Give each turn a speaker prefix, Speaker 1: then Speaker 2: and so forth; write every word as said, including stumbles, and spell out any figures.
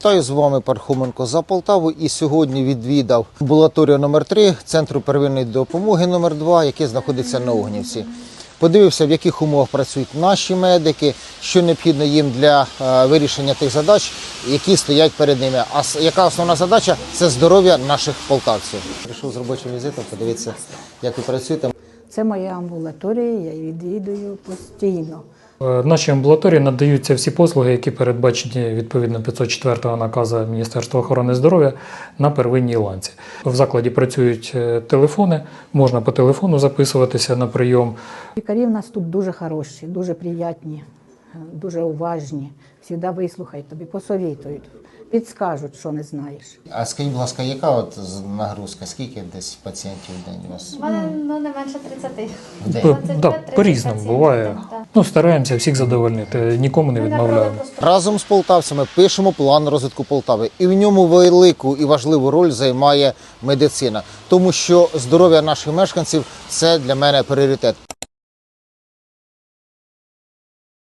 Speaker 1: Вітаю, з вами Пархоменко за Полтаву, і сьогодні відвідав амбулаторію номер три Центру первинної допомоги номер два, який знаходиться на Огнівці. Подивився, в яких умовах працюють наші медики, що необхідно їм для е, вирішення тих задач, які стоять перед ними. А с- яка основна задача – це здоров'я наших полтавців. Прийшов з робочим візитом, подивитися, як ви працюєте.
Speaker 2: Це моя амбулаторія, я її відвідую постійно.
Speaker 3: В нашій амбулаторії надаються всі послуги, які передбачені відповідно п'ятсот четвертого наказу Міністерства охорони здоров'я на первинній ланці. В закладі працюють е, телефони, можна по телефону записуватися на прийом.
Speaker 2: Лікарі в нас тут дуже хороші, дуже приятні, дуже уважні. Завжди вислухають тобі, посовітують, підскажуть, що не знаєш.
Speaker 1: А скажіть, будь ласка, яка от нагрузка? Скільки десь пацієнтів в день у вас?
Speaker 4: У мене ну, не менше тридцяти.
Speaker 1: В
Speaker 3: По-
Speaker 4: двадцять
Speaker 3: да,
Speaker 4: п'ять тридцять
Speaker 3: по-різному
Speaker 4: пацієнтів,
Speaker 3: буває.
Speaker 4: так.
Speaker 3: Ну, стараємося всіх задовольнити, нікому не
Speaker 4: Ми направили
Speaker 3: відмовляємо.
Speaker 4: просто
Speaker 1: Разом з полтавцями пишемо план розвитку Полтави. І в ньому велику і важливу роль займає медицина. Тому що здоров'я наших мешканців – це для мене пріоритет.